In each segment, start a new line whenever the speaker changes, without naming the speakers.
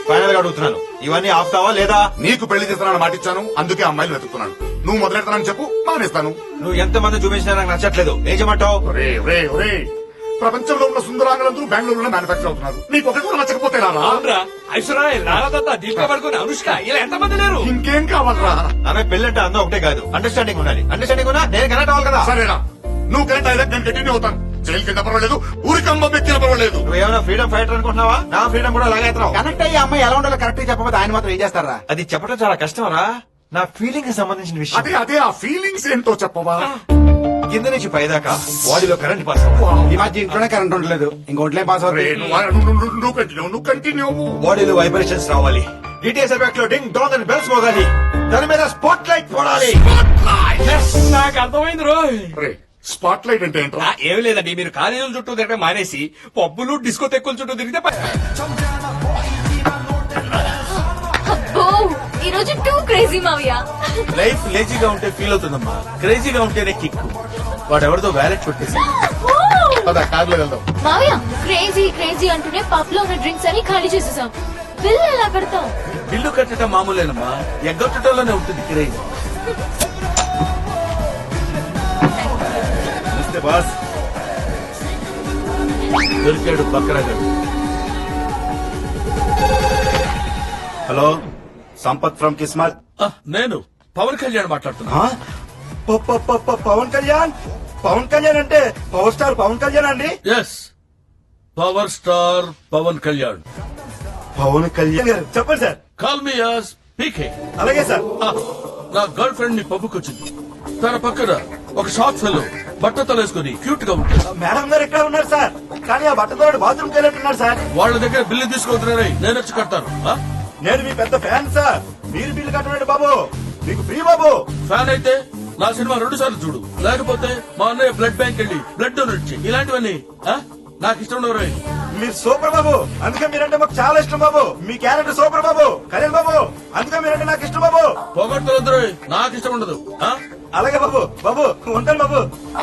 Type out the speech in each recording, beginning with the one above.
Final గా అడుగుతున్నాను, ఇవన్నీ ఆపుతావా లేదా?
నీకు పెళ్లి చేస్తానని మాటిచ్చాను, అందుకే అమ్మాయిలు వెతుకుతున్నాను. నువ్వు మొదలెడతానని చెప్పు, మానేస్తాను.
నువ్వు ఎంత మంది చూపించినా నాకు నచ్చట్లేదు. ఏం చేయమంటావు?
ఒరే ఒరే ఒరే, ప్రపంచంలో ఉన్న సుందరాంగులందరూ బెంగళూరులో మ్యానుఫాక్చర్ అవుతున్నారు. నీకు ఒకటి కూడా నచ్చకపోతే రారా?
ఐశ్వర్య, రాధా, దీపిక పడుకుని, అనుష్క, ఇలా ఎంతమంది లేరు?
ఇంకేం కావాలరా?
ఆమె పెళ్ళంటే అందం ఒకటే కాదు, అండర్స్టాండింగ్ ఉండాలి. అండర్స్టాండింగ్ ఉన్నా నేను కనెక్ట్ అవ్వాలి కదా.
సరేనా, నువ్వు కరెక్ట్ అయితే నేను కంటిన్యూ అవుతాను. జైలుకి వెళ్ళినా పర్వాలేదు, ఊరికి అమ్మ ఎక్కిన పర్వాలేదు.
నువ్వేమైనా ఫ్రీడమ్ ఫైటర్ అనుకుంటున్నావా? నా ఫ్రీడమ్ కూడా లాగేస్తున్నావు.
కనెక్ట్ అయ్యి అమ్మాయి ఎలా ఉండాలో కరెక్ట్ గా చెప్పకపోతే ఆయన మాత్రం ఏం చేస్తారా?
అది చెప్పడం చాలా కష్టం రా. నా ఫీలింగ్ కి సంబంధించిన విషయం.
అదే అదే ఆ ఫీలింగ్స్ ఏంటో చెప్పవా?
కింద నుంచి పైదాకా బాడీలో కరెంట్ పాస్ అవ్వాలి.
ఈ మధ్య ఇంట్లోనే కరెంట్ ఉండలేదు, ఇంకోట్లే పాస్
ఒరే,
అవుతుంది.
నువ్వు కంటిన్యూ.
బాడీలో వైబ్రేషన్స్ రావాలి. డిటిఎస్ ఎఫెక్ట్ లో డింగ్ డాంగ్ అని బెల్స్ మోగాలి. దాని మీద స్పాట్ లైట్ పడాలి.
నాకు అర్థమైంది రోయ్.
స్పాట్ లైట్ అంటే ఏంట్రా?
ఏమి లేదండి, మీరు కాలేజీల చుట్టూ తిరగడం మానేసి పబ్బులు డిస్కో తెక్కుల చుట్టూ తిరిగితే
ఈ రోజు టూ క్రేజీ మావయ్య.
లైఫ్ లేజీగా ఉంటే ఫీల్ అవుతుందమ్మా, క్రేజీగా ఉంటేనే కిక్. వాడెవరితో వ్యాలెట్ కొట్టేసి
కార్లో వెళ్దాం.
మావయ్య, క్రేజీ క్రేజీ అంటూనే పబ్ లో ఉన్న డ్రింక్స్ అని ఖాళీ చేసేసాం. బిల్ ఎలా కడతాం?
బిల్లు కట్టడం మామూలేనమ్మా, ఎగ్గొట్టడంలోనే ఉంటుంది క్రేజ్. బాస్ దొరికాడు బక్రాగాడు.
Hello, Sampath from Kismat.
నేను పవన్ కళ్యాణ్ మాట్లాడుతున్నా.
పవన్ కళ్యాణ్? పవన్ కళ్యాణ్ అంటే పవర్ స్టార్ పవన్ కళ్యాణ్ అండి?
Yes, power star Pawan Kalyan.
Pawan Kalyan గారు చెప్పండి sir.
Call me as PK.
అలాగే సార్.
నా గర్ల్ ఫ్రెండ్ మీ పబ్బుకి వచ్చింది. తన పక్కన ఒక షార్ట్ ఫెలో బట్టతో వేసుకుని క్యూట్ గా ఉంటుంది.
మేడం గారు ఇక్కడ ఉన్నారు సార్, కానీ ఆ బట్టతో బాత్రూమ్ వెళ్ళట్టున్నారు సార్.
వాళ్ళ దగ్గర బిల్లు తీసుకుంటున్నారని నేను వచ్చి కడతాను.
నేను మీ పెద్ద ఫ్యాన్ సార్, మీరు బిల్లు కట్టండి బాబు, మీకు ఫ్రీ బాబు.
ఫ్యాన్ అయితే నా సినిమా 2 సార్లు చూడు, లేకపోతే మా అన్నయ్య బ్లడ్ బ్యాంక్ వెళ్ళి బ్లడ్ డొనేట్ చేయి. ఇలాంటివన్నీ నాకు ఇష్టం ఉండవు.
మీరు సూపర్ బాబు, అందుకే మీరంటే మాకు చాలా ఇష్టం బాబు. మీ క్యారెక్టర్ సూపర్ బాబు, కళ్యాణ్ బాబు, అందుకే మీరంటే నాకు ఇష్టం బాబు.
పొగడ్తలు నాకు ఇష్టం ఉండదు.
అలాగే బాబు, బాబు ఉంటాను బాబు.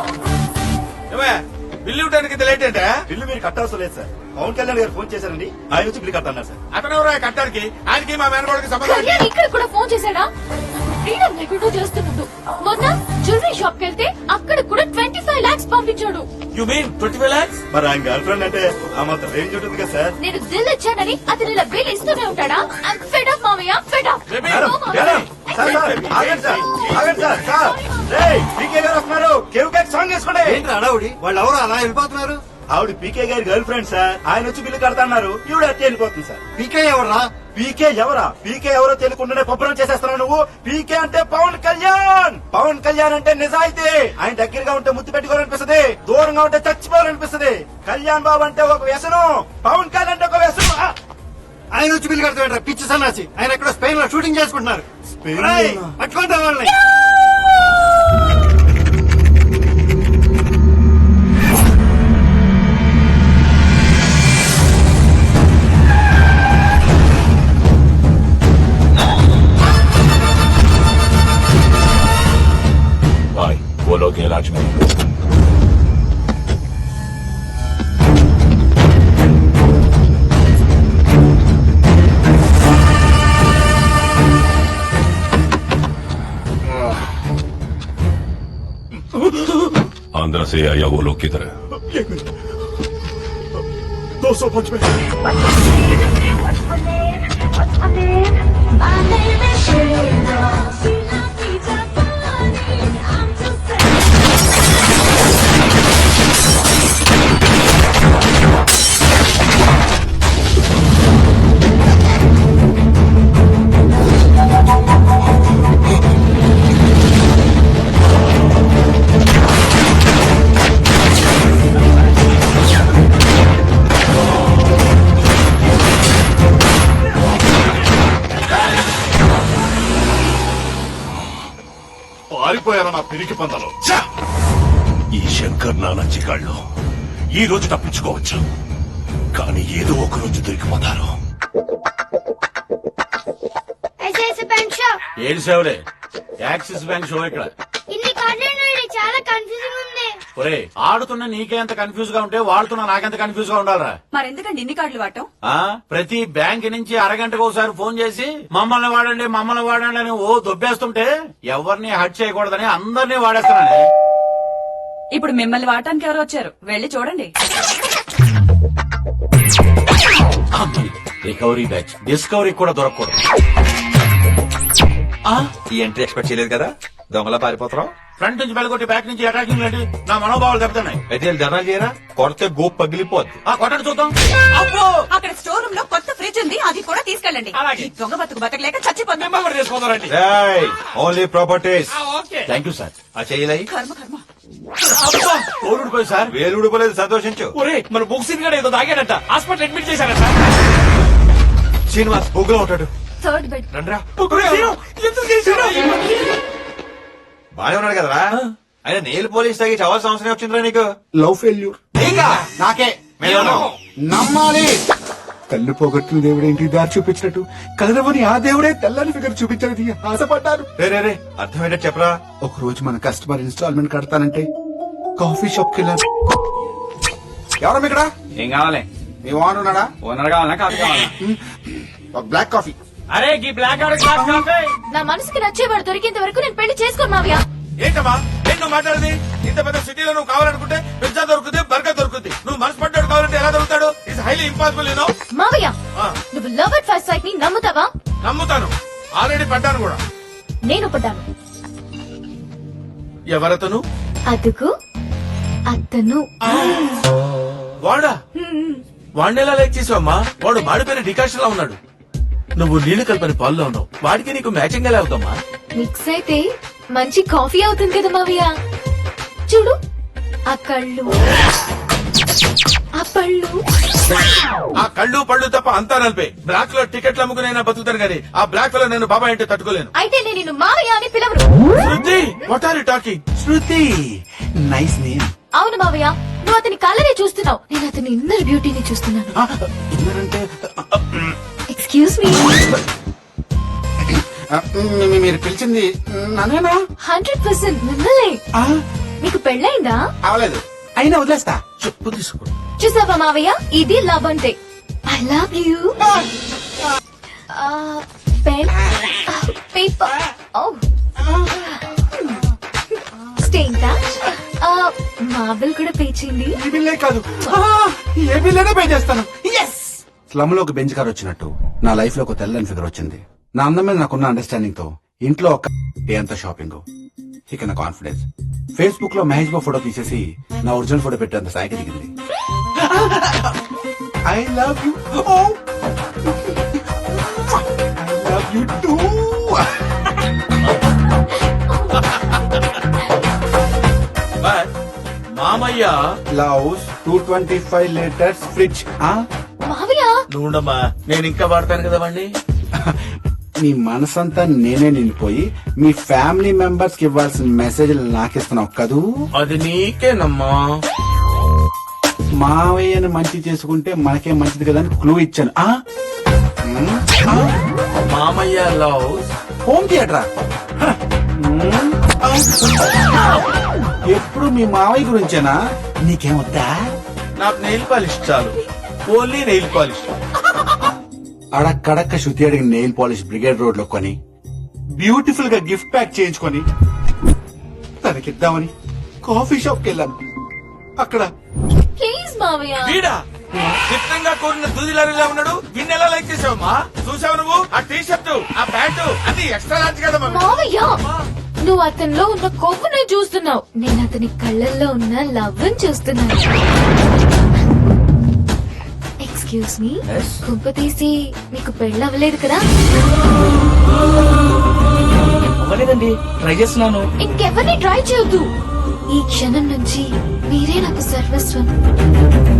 బిల్లు ఇవ్వడానికి లేట్ అంటే?
బిల్లు మీరు కట్టాల్సిన లేదు సార్, పవన్ కళ్యాణ్ గారు ఫోన్ చేశారండి, ఆయన వచ్చి బిల్లు కట్టన్నారు సార్.
అతను ఎవరో కట్టడానికి, ఆయనకి మా మేనగోడికి సంబంధం ఏంటి?
కళ్యాణ్ ఇక్కడ కూడా ఫోన్ చేశాడా? ఫ్రీడమ్ లేకుండా చేస్తున్నాడు. మొన్న జ్యువెలరీ షాప్ కి వెళ్తే అక్కడ కూడా 25 lakhs పంపించాడు.
You mean 25 lakhs?
మరి ఆయన గర్ల్ ఫ్రెండ్ అంటే ఆ మాత్రం రేంజ్ ఉంటుంది కదా సార్.
నేను దిల్ ఇచ్చానని అతను ఇలా బిల్ ఇస్తూనే ఉంటాడా? ఐమ్ ఫెడ్ అప్ మావయ్య, fed up.
Madam, madam, sir, sir, ఆగండి సార్, ఆగండి సార్, సార్. రేయ్, పీకే గారు వస్తున్నారు, కేవ్ కేక్ సాంగ్ వేసుకోండి. ఏంటి అడావుడి, వాళ్ళు ఎవరు అలా వెళ్ళిపోతున్నారు? ఆవిడ పీకే గారి గర్ల్ ఫ్రెండ్ సార్, ఆయన వచ్చి బిల్లు కడతాన్నారు, ఈవిడ అట్టే వెళ్ళిపోతుంది సార్. పీకే ఎవరా? పీకే ఎవరా? పీకే ఎవరో తెలియకుండానే పబ్బరం చేసేస్తున్నావు నువ్వు. పీకే అంటే పవన్ కళ్యాణ్. పవన్ కళ్యాణ్ అంటే నిజాయితీ. ఆయన దగ్గరగా ఉంటే ముద్దు పెట్టుకోవాలనిపిస్తుంది, దూరంగా ఉంటే చచ్చిపోవాలనిపిస్తుంది. కళ్యాణ్ బాబు అంటే ఒక వ్యసనం, పవన్ కళ్యాణ్ అంటే ఒక వ్యసనం. ఆయన వచ్చి బిల్లు కడతాడు పిచ్చి సన్నాసి. ఆయన ఎక్కడ స్పెయిన్ లో షూటింగ్ చేసుకుంటున్నారు. పట్టుకుంటా వాళ్ళని.
वो लोग हैं राज में. आंध्र से आया वो लोग किधर है?
205 में.
పారిపోయారా నా పిరికి పందలో?
ఈ శంకర్ నానా చిగాళ్ళు ఈ రోజు తప్పించుకోవచ్చు, కానీ ఏదో ఒక రోజు దొరికిపోతారు.
ఏడు సేవలే, యాక్సిస్ బ్యాంక్ షో ఇక్కడ.
ఇన్ని కార్డులు చాలా కన్ఫ్యూజింగ్ ఉంది.
ఒరే ఆడుతున్న నీకే ఎంత కన్ఫ్యూజ్ గా ఉంటే వాడుతున్న నాకెంత కన్ఫ్యూజ్ గా ఉండాలరా?
మరెందుకండి ఇన్ని కార్డులు వాడటం?
ప్రతి బ్యాంక్ నుంచి అరగంటకు ఒకసారి ఫోన్ చేసి మమ్మల్ని వాడండి అని ఓ దొబ్బేస్తుంటే ఎవరిని హట్ చేయకూడదని అందరినీ వాడేస్తున్నానే.
ఇప్పుడు మిమ్మల్ని వాడటానికి ఎవరు వచ్చారు? వెళ్ళి చూడండి.
రికవరీ బ్యాచ్ డిస్కవరీ కూడా దొరకకూడదు.
ఈ ఎంట్రీ ఎక్స్పెక్ట్ చేయలేదు కదా, దొంగలా పారిపోతున్నావు.
ఫ్రంట్ నుంచి బెలగొట్టి బ్యాక్ నుంచి అటాకింగ్ ఏంటి? నా మనోభావాలు దెబ్బతున్నాయి.
అయితే వీళ్ళు ధర్నాలు చేయరా, కొడితే గోప్ పగిలిపోద్ది.
కొట్టండి చూద్దాం. అబ్బో
అక్కడ స్టోర్ రూమ్ లో కొత్త ఫ్రిడ్జ్ ఉంది, అది కూడా తీసుకెళ్ళండి.
అలాగే.
ఈ దొంగ బతకలేక చచ్చిపోతాం.
మెంబర్ చేసుకోదారండి.
Only properties.
Thank you sir.
ఆ చేయలై
కర్మ కర్మ.
అబ్బా కోరుడిపోయి సార్.
వేలు ఊడిపోలేదు, సంతోషించు.
ఒరే మన బుక్సింగ్ గడ ఏదో తాగాడట, హాస్పిటల్ అడ్మిట్ చేశారట.
శ్రీనివాస్ బొగ్గులో ఉంటాడు.
Third bed.
రండ్రా.
ఎందుకు చేశారు?
బానే ఉన్నాడు కదరా. ఆయన నెయిల్ పోలీస్ తాగి చావాల్సిన అవసరం వచ్చిందిరా నీకు.
లవ్ ఫెయిల్యూర్
నాకే
నమ్మాలి. తల్లి పోగొట్టిన దేవుడు ఏంటి దారి చూపించినట్టు, కలరవని ఆ దేవుడే తెల్లని ఫిగర్ చూపించినది ఆశపడ్డాను.
రే అర్థమయ్యేట చెప్పరా.
ఒక రోజు మన కస్టమర్ ఇన్స్టాల్మెంట్ కడతానంటే కాఫీ షాప్ కి వెళ్ళాను. ఎవరమ్మ ఇక్కడ?
ఏం కావాలి?
మీ ఓనర్ ఉన్నాడా?
ఓనర్ కావాలా కాఫీ కావాలా?
ఒక బ్లాక్ కాఫీ.
అరే ఈ బ్లాక్ గ్లాస్ కాఫీ.
నా మనసుకి నచ్చేవాడు దొరికేంత వరకు నేను పెళ్లి చేసుకోను మావయ్య.
ఏంటమ్మా ఏంటి నువ్వు మాట్లాడేది? ఇంత పెద్ద సిటీలో నువ్వు కావాలనుకుంటే పిజ్జా దొరుకుతుంది, బర్గర్ దొరుకుతుంది. నువ్వు మనసు పడ్డాడు కావాలంటే ఎలా దొరుకుతాడు? It's highly impossible.
మావయ్య నువ్వు లవ్ అట్ ఫస్ట్ సైట్ ని నమ్ముతావా?
నమ్ముతాను, ఆల్రెడీ పడ్డాను కూడా.
నేను పడ్డాను.
ఎవరతను?
అదుగు అతను.
వాడా? వాడిని ఎలా లైక్ చేసావమ్మా? వాడు మాడిపోయిన డికాషన్ లా ఉన్నాడు. నువ్వు నీళ్లు కలిపిన పాల్లో ఉన్నావు. వాడికి నీకు మ్యాచింగ్ ఎలా అవుతామా?
మిక్స్ అయితే మంచి కాఫీ అవుతుంది కదా మావయ్య. చూడు ఆ కళ్ళు, ఆ పళ్ళు.
ఆ కళ్ళు పళ్ళు తప్ప అంతా నలిపే. బ్లాక్ లో టికెట్లు అమ్ముకునైనా బతుకుతాను కానీ ఆ బ్లాక్ లో నేను బాబాయ్ అంటే తట్టుకోలేను.
అయితే నేను నిన్ను మావయ్య అని పిలవరు.
Shruti, what are you talking?
Shruti nice name.
అవును మావయ్య, నువ్వు అతని కళ్ళనే చూస్తున్నావు, నేను అతని ఇన్నర్ బ్యూటీని చూస్తున్నాను.
ఎందుకంటే
ఎక్స్క్యూజ్ మీ.
మీరు పిలిచింది నన్నేనా?
100% మిమ్మల్ని. మీకు పెళ్ళైందా?
అవలేదు, అయినా వదిలేస్తా.
చెప్పు తీసుకో.
చూసావా మావయ్య, ఇది లవ్ అంటే. I love you. Pen, paper, stay in touch. మా బిల్ కూడా పే చేయండి.
ఈ బిల్లే కాదు, ఏ బిల్లైనా పే చేస్తాను. స్లమ్ లో ఒక బెంచ్ కార్ వచ్చినట్టు నా లైఫ్ లో ఒక తెల్లని ఫిగర్ వచ్చింది. నా అందం మీద నాకున్న అండర్స్టాండింగ్ తో ఇంట్లో ఒక డే అంతా షాపింగ్, ఇక నా కాన్ఫిడెన్స్. ఫేస్బుక్ లో మహేష్ బాబు ఫోటో తీసేసి నా ఒరిజినల్ ఫోటో పెట్టేంత స్థాయికి దిగింది. I love you. I love you too.
మామయ్య
బ్లౌజ్ 225 లీటర్స్ ఫ్రిడ్జ్.
మావయ్య
నువ్వుండమ్మా, నేను ఇంకా వాడతాను కదా వాడిని.
నీ మనసంతా నేనే నిండిపోయి మీ ఫ్యామిలీ మెంబర్స్ కి ఇవ్వాల్సిన మెసేజ్ నాకిస్తున్నావు కదూ.
అది నీకేనమ్మా.
మావయ్యను మంచి చేసుకుంటే మనకే మంచిది కదా అని క్లూ ఇచ్చాను.
మామయ్య లవ్
హోమ్ థియేటరా? ఎప్పుడు మీ మావయ్య గురించేనా? నీకేమొద్దా?
నాకు నెయిల్ పాలిష్ చాలు, ఓన్లీ నెయిల్ పాలిష్.
అడక్కడక్క శృతి అడిగిన నెయిల్ పాలిష్ బ్రిగేడ్ రోడ్ లో కొని బ్యూటిఫుల్ గా గిఫ్ట్ ప్యాక్ చేయించుకొని తనకిద్దామని కాఫీ షాప్ కి వెళ్ళాను. అక్కడ
ప్లీజ్ మావయ్య.
వీడా చిత్రంగా కోరిన దూదిలారిలా ఉన్నాడు. వీడిని ఎలా లైక్ చేసావమ్మా? చూసావు నువ్వు? ఆ టీ షర్టు, ఆ ప్యాంటు అన్ని ఎక్స్ట్రా లార్జ్ కదా మమ్మీ.
మావయ్య నువ్వు అతనిలో ఉన్న కొవ్వుని చూస్తున్నావు, నేను అతని కళ్ళల్లో ఉన్న లవ్ చూస్తున్నాను. ఎక్స్క్యూజ్ మీ, కుంప తీసి మీకు పెళ్ళి అవ్వలేదు కదా?
అవ్వలేదండి, ట్రై చేస్తున్నాను.
ఇంకెవరిని ట్రై చేయొద్దు. ఈ క్షణం నుంచి మీరే నాకు సర్వస్వం.